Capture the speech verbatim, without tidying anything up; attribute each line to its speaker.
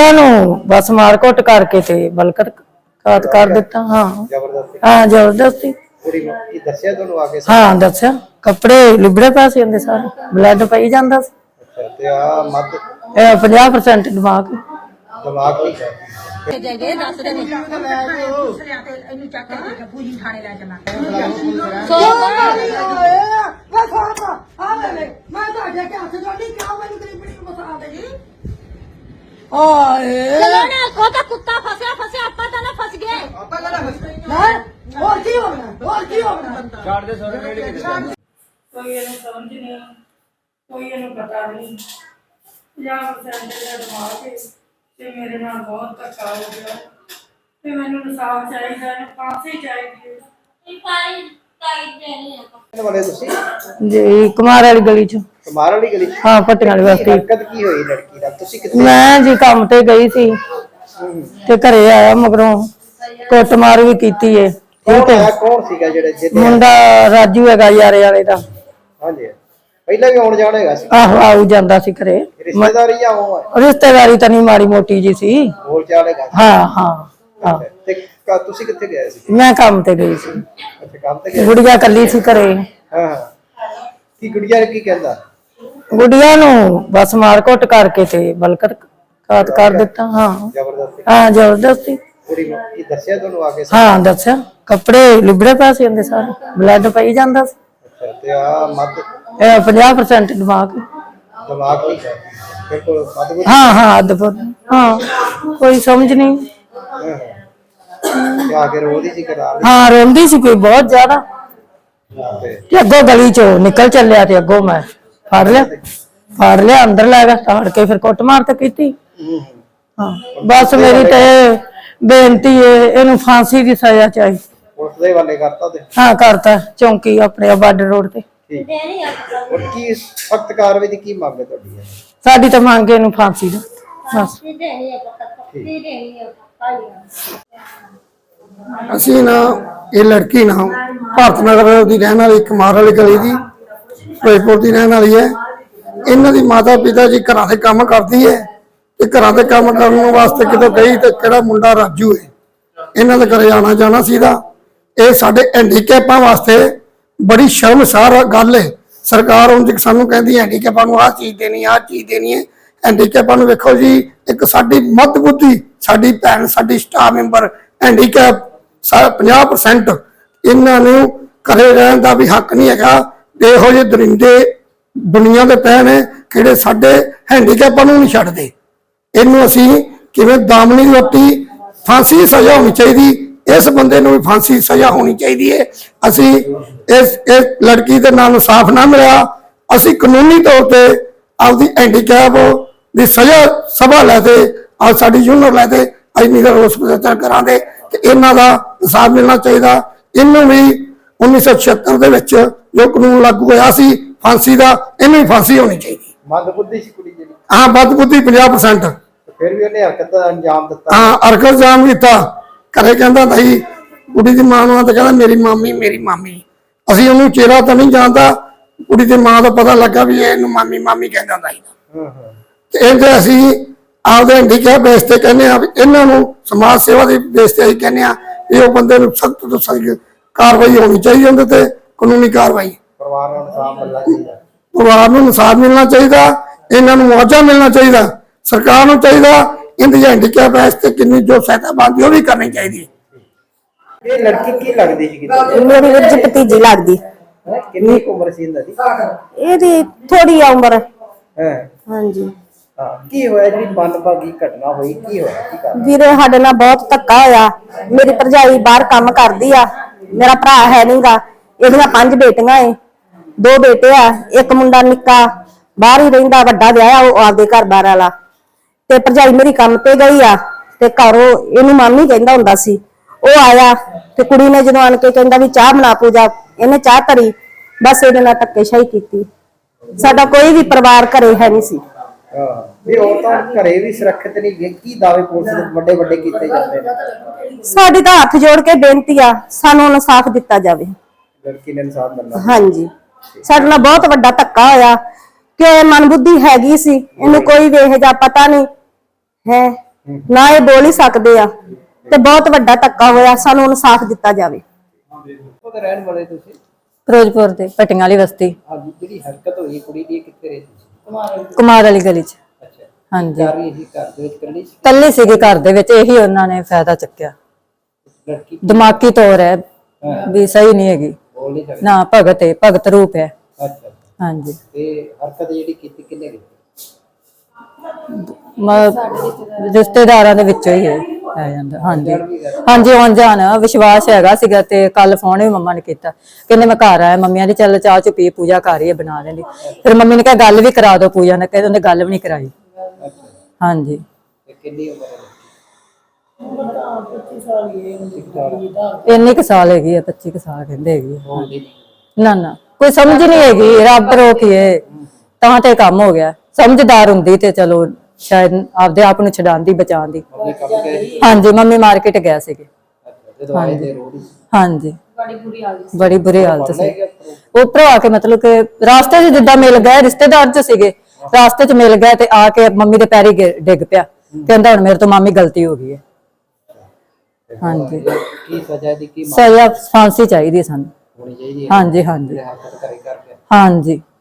Speaker 1: गुड़िया नू बस मार कुट करके ते बलकर घात कर दिता। हाँ हाँ जबरदस्ती। हाँ दस्या कपड़े लिबड़े पैसे आंदे सारे ब्लड पई जांदा सी। पचास परसेंट दिमाग दिमाग
Speaker 2: चलो ना को तो कुत्ता फंसा फंसे आपा तो ना फंस गए आपा का ना फंस गए और की होना और की होना छोड़ दे सोरे रेडी के
Speaker 1: कोई ये समझ नहीं कोई ये पता नहीं पचास परसेंट ਦਾ ਦਿਮਾਗ ਹੈ ਤੇ ਮੇਰੇ ਨਾਲ ਬਹੁਤ ਧੱਕਾ ਹੋ ਗਿਆ ਤੇ ਮੈਨੂੰ ਇਨਸਾਫ ਚਾਹੀਦਾ ਹੈ ਫਾਂਸੀ ਚਾਹੀਦੀ ਹੈ
Speaker 2: ਇਨਫਾਈ ਟਾਈਟ ਦੇਣੀ ਹੈ
Speaker 3: वाले ਤੁਸੀਂ
Speaker 1: ਜੀ ਕੁਮਾਰ ਵਾਲੀ ਗਲੀ ਚ
Speaker 3: ਕੁਮਾਰ ਵਾਲੀ ਗਲੀ
Speaker 1: ਹਾਂ ਪੱਟੀਆਂ ਵਾਲੀ ਬਸਤੀ
Speaker 3: ਹਰਕਤ ਕੀ ਹੋਈ ਲੜਕੀ ਦਾ ਤੁਸੀਂ ਕਿੱਥੇ
Speaker 1: ਮੈਂ ਜੀ ਕੰਮ ਤੇ ਗਈ ਸੀ ਤੇ ਘਰੇ ਆਇਆ ਮਗਰੋਂ ਕੁੱਟਮਾਰ ਵੀ ਕੀਤੀ ਏ ਠੀਕ ਹੈ
Speaker 3: ਕੌਣ ਸੀਗਾ ਜਿਹੜਾ ਜਿਹਦੇ
Speaker 1: ਮੁੰਡਾ ਰਾਜੂ ਹੈਗਾ ਯਾਰੇ ਵਾਲੇ ਦਾ
Speaker 3: ਹਾਂਜੀ ਪਹਿਲਾਂ ਵੀ ਆਉਣ ਜਾਣਾ ਹੈਗਾ ਸੀ
Speaker 1: ਆਹੋ ਆਉ ਜਾਂਦਾ ਸੀ ਘਰੇ
Speaker 3: ਰਿਸ਼ਤੇਦਾਰੀ ਆ ਉਹ
Speaker 1: ਰਿਸ਼ਤੇਦਾਰੀ ਤਾਂ ਨਹੀਂ ਮਾੜੀ ਮੋਟੀ ਜੀ ਸੀ
Speaker 3: ਬੋਲ ਚਾਲ ਹੈਗਾ
Speaker 1: ਹਾਂ ਹਾਂ
Speaker 3: ਤੇ ਤੁਸੀਂ ਕਿੱਥੇ ਗਏ ਸੀ
Speaker 1: ਮੈਂ ਕੰਮ ਤੇ ਗਈ ਸੀ
Speaker 3: ਅੱਛਾ ਕੰਮ ਤੇ ਗਏ
Speaker 1: ਗੁੜੀਆ ਕੱਲੀ ਸੀ ਘਰੇ
Speaker 3: ਹਾਂ ਕੀ ਗੁੜੀਆ ਕੀ ਕਹਿੰਦਾ
Speaker 1: ਗੁੜੀਆ ਨੂੰ ਬਸ ਮਾਰ ਕੁੱਟ ਕਰਕੇ ਤੇ ਬਲकर ਘਾਤ ਕਰ ਦਿੱਤਾ। ਹਾਂ
Speaker 3: ਜ਼ਬਰਦਸਤੀ
Speaker 1: ਹਾਂ ਜ਼ਬਰਦਸਤੀ।
Speaker 3: ਕੁੜੀ ਨੂੰ ਕੀ ਦੱਸਿਆ ਤੁਹਾਨੂੰ ਆ ਕੇ
Speaker 1: ਹਾਂ ਦੱਸਿਆ ਕੱਪੜੇ ਲਿਬੜੇ ਪੈਸੇ ਆਂਦੇ ਸਾਰੇ ਬਲੱਡ ਪਈ ਜਾਂਦਾ ਸੀ।
Speaker 3: ਅੱਛਾ ਤੇ ਆ ਮੱਧ
Speaker 1: ਇਹ ਪचास परसेंट ਦਿਮਾਗ
Speaker 3: ਦਿਮਾਗ ਕੀ ਹੈ ਬਿਲਕੁਲ ਮੱਧ
Speaker 1: ਹਾਂ ਹਾਂ ਅਦਭੁਤ ਹਾਂ ਕੋਈ ਸਮਝ ਨਹੀਂ
Speaker 3: ਤੇ ਆ ਕੇ ਰੋਦੀ ਸੀ ਕਰਾ
Speaker 1: ਹਾਂ ਰੋਂਦੀ ਸੀ ਕੋਈ ਬਹੁਤ ਜ਼ਿਆਦਾ ਤੇ ਅੱਗੋਂ ਗਲੀ ਚੋਂ ਨਿਕਲ ਚੱਲਿਆ ਤੇ ਅੱਗੋਂ ਮੈਂ ਫੜ ਲਿਆ ਫੜ ਲਿਆ ਅੰਦਰ ਲੈ ਗਿਆ ਤਾੜ ਕੇ ਫਿਰ ਕੁੱਟ ਮਾਰ ਤੇ ਕੀਤੀ। ਹਾਂ ਬਸ ਮੇਰੀ ਤੇ ਬੇਨਤੀ ਹੈ ਇਹਨੂੰ ਫਾਂਸੀ ਦੀ ਸਜ਼ਾ ਚਾਹੀਦੀ।
Speaker 3: ਪੁਲਿਸ ਦੇ ਵਾਲੇ ਕਰਤਾ ਤੇ
Speaker 1: ਹਾਂ ਕਰਤਾ ਚੌਂਕੀ ਆਪਣੇ ਬਾਰਡਰ ਰੋਡ ਤੇ
Speaker 2: ਦੇਣੀ ਹੈ
Speaker 3: ਔਰ ਕੀ ਸਖਤ ਕਾਰਵਾਈ ਦੀ ਕੀ ਮੰਗ ਹੈ ਤੁਹਾਡੀ
Speaker 1: ਸਾਡੀ ਤਾਂ ਮੰਗ ਇਹਨੂੰ ਫਾਂਸੀ ਦਾ ਬਸ
Speaker 2: ਦੇਣੀ ਹੈ ਪੱਕੀ ਦੇਣੀ ਹੈ
Speaker 4: ਅਸੀਂ ਨਾ ਇਹ ਲੜਕੀ ਨਾ ਭਾਰਤ ਨਗਰ ਦੀ ਰਹਿਣ ਵਾਲੀ ਕੁਮਾਰ ਵਾਲੀ ਗਲੀ ਦੀ ਫਿਰੋਜ਼ਪੁਰ ਦੀ ਰਹਿਣ ਵਾਲੀ ਹੈ। ਇਹਨਾਂ ਦੀ ਮਾਤਾ ਪਿਤਾ ਜੀ ਘਰਾਂ ਦੇ ਕੰਮ ਕਰਦੀ ਹੈ ਤੇ ਘਰਾਂ ਦੇ ਕੰਮ ਕਰਨ ਵਾਸਤੇ ਕਿਤੇ ਗਈ ਤੇ ਕਿਹੜਾ ਮੁੰਡਾ ਰਾਜੂ ਹੈ ਇਹਨਾਂ ਦੇ ਘਰੇ ਆਣਾ ਜਾਣਾ ਸੀਗਾ। ਇਹ ਸਾਡੇ ਹੈਂਡੀਕੈਪਾਂ ਵਾਸਤੇ ਬੜੀ ਸ਼ਰਮਸਾਰ ਗੱਲ ਹੈ। ਸਰਕਾਰ ਹੁਣ ਸਾਨੂੰ ਕਹਿੰਦੀ ਹੈਂਡੀਕੈਪਾਂ ਨੂੰ ਆਹ ਚੀਜ਼ ਦੇਣੀ ਆਹ ਚੀਜ਼ ਦੇਣੀ ਹੈ। ਹੈਂਡੀਕੈਪਾਂ ਨੂੰ ਵੇਖੋ ਜੀ ਇੱਕ ਸਾਡੀ ਮੱਧ ਬੁੱਧੀ ਸਾਡੀ ਭੈਣ ਸਾਡੀ ਸਟਾਫ ਮੈਂਬਰ ਹੈਂਡੀਕੈਪ ਪੰਜਾਹ परसेंट ਇਹਨਾਂ ਨੂੰ ਘਰੇ ਰਹਿਣ ਦਾ ਵੀ ਹੱਕ ਨਹੀਂ ਹੈਗਾ। ਇਹੋ ਜਿਹੇ ਦਰਿੰਦੇ ਦੁਨੀਆ ਦੇ ਪੈ ਨੇ ਕਿਹੜੇ ਸਾਡੇ ਹੈਂਡੀਕੈਪਾਂ ਨੂੰ ਨਹੀਂ ਛੱਡਦੇ। ਇਹਨੂੰ ਅਸੀਂ ਕਿਵੇਂ ਦਾਮਨੀ ਰੋਟੀ ਫਾਂਸੀ ਸਜ਼ਾ ਹੋਣੀ ਚਾਹੀਦੀ ਇਸ ਬੰਦੇ ਨੂੰ ਵੀ ਫਾਂਸੀ ਸਜ਼ਾ ਹੋਣੀ ਚਾਹੀਦੀ ਹੈ। ਅਸੀਂ ਇਸ ਇਸ ਲੜਕੀ ਦੇ ਨਾਲ ਇਨਸਾਫ ਨਾ ਮਿਲਿਆ ਅਸੀਂ ਕਾਨੂੰਨੀ ਤੌਰ ਤੇ ਆਪਦੀ ਹੈਂਡੀਕੈਪ ਦੀ ਸਜ਼ਾ ਸਭਾ ਲੈ ਤੇ ਆ ਸਾਡੀ ਯੂਨੀਅਨ ਲੈ ਤੇ ਅਸੀਂ ਨਿਗਰ ਰੋਸ ਪ੍ਰਦਰਸ਼ਨ ਕਰਾਂਗੇ ਕਿ ਇਹਨਾਂ ਦਾ ਇਨਸਾਫ ਮਿਲਣਾ ਚਾਹੀਦਾ। ਇਹਨੂੰ ਵੀ ਉੱਨੀ ਸੌ ਛਿਅੱਤਰ ਦੇ ਵਿੱਚ ਜੋ ਕਾਨੂੰਨ ਲਾਗੂ ਹੋਇਆ ਸੀ ਫਾਂਸੀ ਦਾ ਇਹਨੂੰ ਵੀ ਫਾਂਸੀ ਹੋਣੀ ਚਾਹੀਦੀ।
Speaker 3: ਮੱਧ ਬੁੱਧੀ ਸੀ ਕੁੜੀ ਜਿਹੜੀ
Speaker 4: ਹਾਂ ਮੱਧ ਬੁੱਧੀ ਪੰਜਾਹ परसेंट
Speaker 3: ਫਿਰ ਵੀ ਉਹਨੇ ਹਰਕਤ ਦਾ ਅੰਜਾਮ ਦਿੱਤਾ।
Speaker 4: ਹਾਂ ਹਰਕਤ ਅੰਜਾਮ ਦਿੱਤਾ। ਘਰੇ ਕਹਿੰਦਾ ਭਾਈ ਕੁੜੀ ਦੀ ਮਾਂ ਨੂੰ ਤਾਂ ਕਹਿੰਦਾ ਮੇਰੀ ਮਾਮੀ ਮੇਰੀ ਮਾਮੀ। ਅਸੀਂ ਉਹਨੂੰ ਚਿਹਰਾ ਤਾਂ ਨਹੀਂ ਜਾਣਦਾ ਕੁੜੀ ਦੀ ਮਾਂ ਦਾ ਪਤਾ ਲੱਗਾ ਵੀ ਇਹਨੂੰ ਮਾਮੀ ਮਾਮੀ ਕਹਿੰਦਾ ਹੁੰਦਾ ਸੀ।
Speaker 3: ਹਾਂ ਹਾਂ
Speaker 4: ਤੇ ਇਹਦੇ ਅਸੀਂ ਆਪਦੇ ਹੈਂਡੀਕੈਪ ਬੇਸ ਤੇ ਕਹਿੰਦੇ ਆ ਵੀ ਇਹਨਾਂ ਨੂੰ ਸਮਾਜ ਸੇਵਾ ਦੀ ਬੇਸ ਤੇ ਅਸੀਂ ਕਹਿੰਦੇ ਆ ਇਹ ਉਹ ਬੰਦੇ ਨੂੰ ਸਖਤ ਤੋਂ ਸਖਤ ਕਾਰਵਾਈ ਹੋਣੀ ਚਾਹੀਦੀ ਉਹਦੇ ਤੇ ਕਾਨੂੰਨੀ ਕਾਰਵਾਈ।
Speaker 3: ਪਰਿਵਾਰ ਨੂੰ ਇਨਸਾਫ ਮਿਲਣਾ ਚਾਹੀਦਾ
Speaker 4: ਪਰਿਵਾਰ ਨੂੰ ਇਨਸਾਫ ਮਿਲਣਾ ਚਾਹੀਦਾ ਇਹਨਾਂ ਨੂੰ ਮੁਆਵਜ਼ਾ ਮਿਲਣਾ ਚਾਹੀਦਾ। ਸਰਕਾਰ ਨੂੰ ਚਾਹੀਦਾ ਇਹਦੀ ਹੈਂਡੀਕੈਪ ਬੇਸ ਤੇ ਕਿੰਨੀ ਜੋ ਸਹਾਇਤਾ ਬਣਦੀ ਉਹ ਵੀ ਕਰਨੀ ਚਾਹੀਦੀ।
Speaker 3: ਇਹ ਲੜਕੀ ਕੀ ਲੱਗਦੀ ਸੀ
Speaker 5: ਮੇਰੀ ਵੀਰ ਜੀ ਭਤੀਜੀ ਲੱਗਦੀ।
Speaker 3: ਕਿੰਨੀ ਕੁ ਉਮਰ ਸੀ ਇਹਨਾਂ ਦੀ
Speaker 5: ਇਹਦੀ ਥੋੜੀ ਉਮਰ
Speaker 3: ਹੈ।
Speaker 5: ਹਾਂਜੀ
Speaker 3: ਹਾਂ ਕੀ ਹੋਇਆ ਜਿਹੜੀ ਮੰਦਭਾਗੀ ਘਟਨਾ ਹੋਈ ਕੀ ਹੋਇਆ ਕੀ ਕਰ
Speaker 5: ਵੀਰੇ ਸਾਡੇ ਨਾਲ ਬਹੁਤ ਧੱਕਾ ਹੋਇਆ। ਮੇਰੀ ਭਰਜਾਈ ਬਾਹਰ ਕੰਮ ਕਰਦੀ ਆ ਮੇਰਾ ਭਰਾ ਹੈ ਨਹੀਂਗਾ। ਇਹਦੀਆਂ ਪੰਜ ਬੇਟੀਆਂ ਏ ਦੋ ਬੇਟੇ ਆ ਇੱਕ ਮੁੰਡਾ ਨਿੱਕਾ ਬਾਹਰ ਹੀ ਰਹਿੰਦਾ ਵੱਡਾ ਵਿਆਹ ਉਹ ਆਪਦੇ ਘਰ ਬਾਹਰ ਵਾਲਾ ਤੇ ਭਰਜਾਈ ਮੇਰੀ ਕੰਮ ਤੇ ਗਈ ਆ ਤੇ ਘਰੋਂ ਇਹਨੂੰ ਮਾਮੀ ਕਹਿੰਦਾ ਹੁੰਦਾ ਸੀ। ਉਹ ਆਇਆ ਤੇ ਕੁੜੀ ਨੇ ਜਦੋਂ ਆਣ ਕੇ ਕਹਿੰਦਾ ਵੀ ਚਾਹ ਬਣਾ ਪੂਜਾ ਇਹਨੇ ਚਾਹ ਧਰੀ ਬਸ ਇਹਦੇ ਨਾਲ ਧੱਕੇਸ਼ਾਹੀ ਕੀਤੀ। ਸਾਡਾ ਕੋਈ ਵੀ ਪਰਿਵਾਰ ਘਰੇ ਹੈ ਨਹੀਂ ਸੀ।
Speaker 3: ਹਾਂ ਵੀ ਔਰਤਾਂ ਘਰੇ ਵੀ ਸੁਰੱਖਿਅਤ ਨਹੀਂ ਕੀ ਦਾਅਵੇ ਪੁਲਿਸ ਦੇ ਵੱਡੇ ਵੱਡੇ ਕੀਤੇ ਜਾਂਦੇ ਨੇ।
Speaker 5: ਸਾਡੀ ਤਾਂ ਹੱਥ ਜੋੜ ਕੇ ਬੇਨਤੀ ਆ ਸਾਨੂੰ ਇਨਸਾਫ ਦਿੱਤਾ ਜਾਵੇ।
Speaker 3: ਲੜਕੀ ਨੇ ਇਨਸਾਫ ਮਿਲਣਾ।
Speaker 5: ਹਾਂਜੀ ਸਾਡੇ ਨਾਲ ਬਹੁਤ ਵੱਡਾ ਧੱਕਾ ਹੋਇਆ ਕਿ ਮਨਬੁੱਧੀ ਹੈਗੀ ਸੀ ਇਹਨੂੰ ਕੋਈ ਵੇਖ ਜਾ ਪਤਾ ਨਹੀਂ ਹੈ ਨਾ ਇਹ ਬੋਲ ਹੀ ਸਕਦੇ ਆ ਤੇ ਬਹੁਤ ਵੱਡਾ ਧੱਕਾ ਹੋਇਆ ਸਾਨੂੰ ਇਨਸਾਫ ਦਿੱਤਾ ਜਾਵੇ।
Speaker 3: ਉਹਦੇ ਰਹਿਣ ਵਾਲੇ ਤੁਸੀਂ
Speaker 1: ਫਿਰੋਜ਼ਪੁਰ ਦੇ ਪਟੀਆਂ ਵਾਲੀ ਬਸਤੀ,
Speaker 3: ਅੱਜ ਜਿਹੜੀ ਹਰਕਤ ਹੋਈ ਕੁੜੀ ਦੀ, ਕਿੱਥੇ ਰਹੀ ਤੁਸੀਂ?
Speaker 1: ਕੁਮਾਰ ਵਾਲੀ ਗਲੀ ਚ।
Speaker 3: ਅੱਛਾ,
Speaker 1: ਹਾਂਜੀ
Speaker 3: ਕਰ ਰਹੀ ਸੀ ਘਰ ਦੇ ਵਿੱਚ ਇਕੱਲੀ ਸੀ?
Speaker 1: ਕੱਲੀ ਸੀਗੀ ਘਰ ਦੇ ਵਿੱਚ, ਇਹੀ ਉਹਨਾਂ ਨੇ ਫਾਇਦਾ ਚੱਕਿਆ।
Speaker 3: ਲੜਕੀ
Speaker 1: ਦਿਮਾਗੀ ਤੌਰ ਹੈ ਵੀ ਸਹੀ ਨਹੀਂ ਹੈਗੀ
Speaker 3: ਬੋਲ ਨਹੀਂ ਸਕਦੀ?
Speaker 1: ਨਾ, ਭਗਤ ਹੈ, ਭਗਤ ਰੂਪ ਹੈ।
Speaker 3: ਅੱਛਾ,
Speaker 1: ਹਾਂਜੀ
Speaker 3: ਤੇ ਹਰਕਤ ਜਿਹੜੀ ਕੀਤੀ ਕਿੰਨੇ ਕੀਤੀ?
Speaker 1: ਮ- ਰਿਸ਼ਤੇਦਾਰਾਂ ਦੇ ਵਿੱਚੋਂ ਹੀ ਹੈ ਆ ਜਾਂਦਾ। ਹਾਂਜੀ ਹਾਂਜੀ ਆਉਣ ਜਾਣ ਵਿਸ਼ਵਾਸ ਹੈਗਾ ਸੀਗਾ। ਤੇ ਕੱਲ ਫੋਨ ਵੀ ਮੰਮਾ ਨੇ ਕੀਤਾ, ਕਹਿੰਦੇ ਮੈਂ ਘਰ ਆਇਆ, ਮੰਮੀਆਂ ਦੀ ਚੱਲ ਚਾਹ ਚੁ ਪੀ, ਪੂਜਾ ਕਰ ਰਹੀ ਹੈ ਬਣਾ ਲੈਂਦੀ। ਫਿਰ ਮੰਮੀ ਨੇ ਕਿਹਾ ਗੱਲ ਵੀ ਕਰਾ ਦਿਓ ਪੂਜਾ ਨੇ, ਕਹਿੰਦੇ ਉਹਨੇ ਗੱਲ ਵੀ ਨਹੀਂ ਕਰਾਈ। ਹਾਂਜੀ
Speaker 3: ਤੇ ਕਿੰਨੀ ਉਮਰ ਹੈ?
Speaker 1: ਇੰਨੀ ਕੁ ਸਾਲ ਹੈਗੀ ਹੈ, ਪੱਚੀ ਕੁ ਸਾਲ ਕਹਿੰਦੇ ਹੈਗੀ ਹੈ।
Speaker 3: ਬੋਲਦੀ ਨਹੀਂ?
Speaker 1: ਨਾ ਨਾ ਕੋਈ ਸਮਝ ਨਹੀਂ ਹੈਗੀ, ਰੱਬ ਰੋਕੀਏ ਤਾਂ ਤੇ ਕੰਮ ਹੋ ਗਿਆ। ਸਮਝਦਾਰ ਹੁੰਦੀ ਤੇ ਚਲੋ ਸ਼ਾਇਦ ਆਪਦੇ ਆਪ ਨੂੰ ਛਡਾਉਂਦੀ, ਬਚਾਉਂਦੀ।
Speaker 3: ਆਪਣੇ ਕੰਮ ਗਏ ਸੀ?
Speaker 1: ਹਾਂਜੀ ਮੰਮੀ ਮਾਰਕੀਟ ਗਿਆ ਸੀਗੇ।
Speaker 3: ਅੱਛਾ, ਜਦੋਂ ਆਏ ਤੇ ਰੋੜੀ
Speaker 1: ਹਾਂਜੀ ਬੜੀ ਬੁਰੀ ਹਾਲਤ ਸੀ।
Speaker 3: ਸੀ?
Speaker 1: ਉੱਪਰੋਂ ਆ ਕੇ ਮਤਲਬ ਕਿ ਰਾਸਤੇ 'ਚ ਜਿੱਦਾਂ ਮਿਲ ਗਏ, ਰਿਸ਼ਤੇਦਾਰ 'ਚ ਸੀਗੇ, ਰਾਸਤੇ 'ਚ ਮਿਲ ਗਏ ਤੇ ਆ ਕੇ ਮੰਮੀ ਦੇ ਪੈਰੀ ਗਿ- ਡਿੱਗ ਪਿਆ। ਕਹਿੰਦਾ ਹੁਣ ਮੇਰੇ ਤੋਂ ਮਾਮੀ ਗਲਤੀ ਹੋ ਗਈ ਹੈ। ਹਾਂਜੀ
Speaker 3: ਕੀ ਸਜ਼ਾ ਦੀ ਕੀ ਮੰਗ
Speaker 1: ਸਜ਼ਾ ਫਾਂਸੀ ਚਾਹੀਦੀ ਸਾਨੂੰ।
Speaker 3: ਹੋਣੀ ਚਾਹੀਦੀ ਹੈ?
Speaker 1: ਹਾਂਜੀ ਹਾਂਜੀ
Speaker 3: ਹਰਕਤ ਕਰੇ ਕਰਕੇ
Speaker 1: ਹਾਂਜੀ